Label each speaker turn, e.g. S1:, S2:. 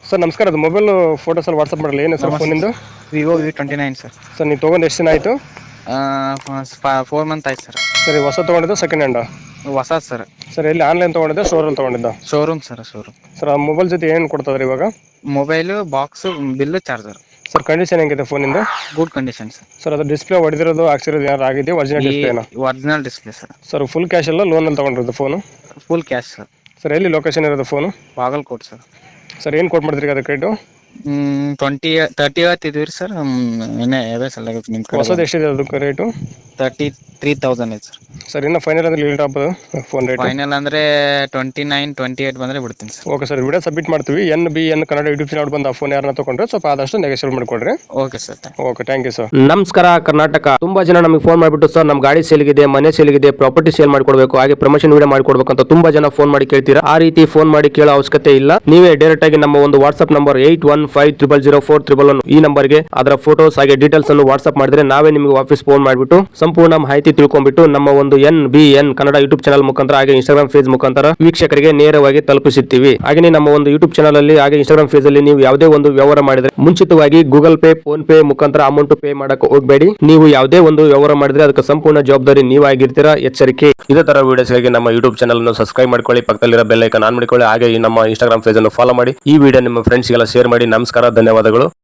S1: Sir ನಮಸ್ಕಾರ, ಅದು mobile photos ಅಲ್ಲಿ ವಾಟ್ಸಪ್ ಮಾಡಲ್ಲ ಏನು ಸರ್
S2: ನಮಸ್ತೆ
S1: ಫೋನಿಂದು?
S2: Sir. Vivo V29 sir.
S1: Sir ನೀವು ತೊಗೊಂಡು ಎಷ್ಟು ದಿನ ಆಯಿತು?
S2: 4 ಮಂತ್ ಆಯ್ತು ಸರ್.
S1: ಸರ್ ಈ ಹೊಸ ತೊಗೊಂಡಿದ್ದು ಸೆಕೆಂಡ್ ಹ್ಯಾಂಡ್?
S2: ಹೊಸ ಸರ್.
S1: ಸರ್ ಎಲ್ಲಿ ಆನ್ಲೈನ್ ತೊಗೊಂಡಿದ್ದ ಸ್ಟೋರಲ್ಲಿ ತೊಗೊಂಡಿದ್ದ?
S2: Showroom sir, showroom.
S1: ಸರ್ ಆ ಮೊಬೈಲ್ ಜೊತೆ ಏನು ಕೊಡ್ತದ್ರಿ ಇವಾಗ?
S2: Mobile, box, bill, charger.
S1: Sir condition ಹೆಂಗಿದೆ ಫೋನಿಂದ?
S2: Good condition sir.
S1: ಸರ್ ಅದು ಡಿಸ್ಪ್ಲೇ ಹೊಡೆದಿರೋದು ಹಾಕ್ಸಿರೋದು ಏನಾರು ಆಗಿದೆ? ಒರಿಜಿನಲ್ ಡಿಸ್ಪ್ಲೇನಾ?
S2: Original display sir.
S1: Sir full cash ಎಲ್ಲ ಲೋನಲ್ಲಿ ತೊಗೊಂಡಿರೋದು phone?
S2: Full cash sir.
S1: Sir ಎಲ್ಲಿ ಲೊಕೇಶನ್ ಇರೋದು ಫೋನು?
S2: ಬಾಗಲಕೋಟ್ ಸರ್.
S1: ಸರ್ ಏನು ಕೊಟ್ಟು ಮಾಡ್ತೀರಿ ಅದಕ್ಕೆ ರೇಟು?
S2: 30 ಹೇಳ್ತಿದ್ವಿ ಸರ್. ಇನ್ನೇ ಸಲ ನಿಮ್ಮ ಕಡೆ
S1: ಹೊಸದು ಎಷ್ಟಿದೆ ಅದಕ್ಕೆ ರೇಟು?
S2: 33,000 ಐತೆ ಸರ್.
S1: ಸರ್ ಇನ್ನು ಫೈನಲ್ ಅಂದ್ರೆ ಲಿಮಿಟ್ ಆಗ್ಬೋದು ಫೋನ್ ರೇಟ್?
S2: ಫೈನಲ್ ಅಂದ್ರೆ 29-28 ಬಂದ್ರೆ ಬಿಡ್ತೀನಿ sir.
S1: Okay sir, video submit ಮಾಡ್ತೀವಿ. NBN ಕನ್ನಡ ಯೂಟ್ಯೂಬ್ ಚಾನಲ್ ಬಂದು ಆ ಫೋನ್ ಯಾರನ್ನ ತೊಗೊಂಡ್ರೆ ಸ್ವಲ್ಪ ಆದಷ್ಟು ನೆಗೋಷಿಯೇಟ್ ಮಾಡಿಕೊಡ್ರಿ.
S2: Okay sir.
S1: Okay, thank you sir.
S3: ನಮಸ್ಕಾರ ಕರ್ನಾಟಕ. ತುಂಬಾ ಜನ ನಮಗೆ ಫೋನ್ ಮಾಡಿಬಿಟ್ಟು ಸರ್ ನಮ್ಮ ಗಾಡಿ ಸೇಲ್ಗಿದೆ, ಮನೆ ಸೇಲ್ಗಿದೆ, ಪ್ರಾಪರ್ಟಿ ಸೇಲ್ ಮಾಡಿಕೊಡ್ಬೇಕು, ಹಾಗೆ ಪ್ರಮೋಷನ್ ವಿಡಿಯೋ ಮಾಡಿಕೊಡ್ಬೇಕು ಅಂತ ತುಂಬಾ ಜನ ಫೋನ್ ಮಾಡಿ ಕೇಳ್ತೀರಾ. ಆ ರೀತಿ ಫೋನ್ ಮಾಡಿ ಕೇಳೋ ಅವಶ್ಯಕತೆ ಇಲ್ಲ. ನೀವೇ ಡೈರೆಕ್ಟ್ ಆಗಿ ನಮ್ಮ ಒಂದು ವಾಟ್ಸ್ಆಪ್ ನಂಬರ್ 81500411 ಈ ನಂಬರ್ಗೆ ಅದರ ಫೋಟೋಸ್ ಹಾಗೆ ಡೀಟೇಲ್ಸ್ ಅನ್ನು ವಾಟ್ಸ್ಆಪ್ ಮಾಡಿದ್ರೆ ನಾವೇ ನಿಮಗೆ ವಾಪಸ್ ಫೋನ್ ಮಾಡಿಬಿಟ್ಟು ಸಂಪೂರ್ಣ ಮಾಹಿತಿ ತಿಳ್ಕೊಂಡ್ಬಿಟ್ಟು ನಮ್ಮ ಒಂದು NBN ಕನ್ನಡ ಯೂಟ್ಯೂಬ್ ಚಾನಲ್ ಮುಖಾಂತರ ಹಾಗೆ ಇನ್ಸ್ಟಾಗ್ರಾಮ್ ಪೇಜ್ ಮುಖಾಂತರ ವೀಕ್ಷಕರಿಗೆ ನೇರವಾಗಿ ತಲುಪಿಸುತ್ತೀವಿ. ಹಾಗೆ ನಮ್ಮ ಒಂದು ಯೂಟ್ಯೂಬ್ ಚಾನಲ್ ಅಲ್ಲಿ ಹಾಗೆ ಇನ್ಸ್ಟಾಗ್ರಾಮ್ ಪೇಜ್ ಅಲ್ಲಿ ನೀವು ಯಾವುದೇ ಒಂದು ವ್ಯವಹಾರ ಮಾಡಿದ್ರೆ ಮುಂಚಿತವಾಗಿ ಗೂಗಲ್ ಪೇ, ಫೋನ್ ಪೇ ಮುಖಾಂತರ ಅಮೌಂಟ್ ಪೇ ಮಾಡಕ್ಕೆ ಹೋಗಬೇಡಿ. ನೀವು ಯಾವುದೇ ಒಂದು ವ್ಯವಹಾರ ಮಾಡಿದ್ರೆ ಅದಕ್ಕೆ ಸಂಪೂರ್ಣ ಜವಾಬ್ದಾರಿ ನೀವಾಗಿರ್ತೀರಾ, ಎಚ್ಚರಿಕೆ. ಇದೇ ತರ ವಿಡಿಯೋಸ್ಗಾಗಿ ನಮ್ಮ ಯೂಟ್ಯೂಬ್ ಚಾನಲ್ ಅನ್ನು ಸಬ್ಸ್ಕ್ರೈಬ್ ಮಾಡ್ಕೊಳ್ಳಿ, ಪಕ್ಕದಲ್ಲಿರೋ ಬೆಲ್ ಐಕಾನ್ ಆನ್ ಮಾಡಿಕೊಳ್ಳಿ, ಹಾಗೆ ನಮ್ಮ ಇನ್ಸ್ಟಾಗ್ರಾಮ್ ಪೇಜ್ ಅನ್ನು ಫಾಲೋ ಮಾಡಿ. ಈ ವಿಡಿಯೋ ನಿಮ್ಮ ಫ್ರೆಂಡ್ಸ್ಗೆಲ್ಲ ಶೇರ್ ಮಾಡಿ. ನಮಸ್ಕಾರ, ಧನ್ಯವಾದಗಳು.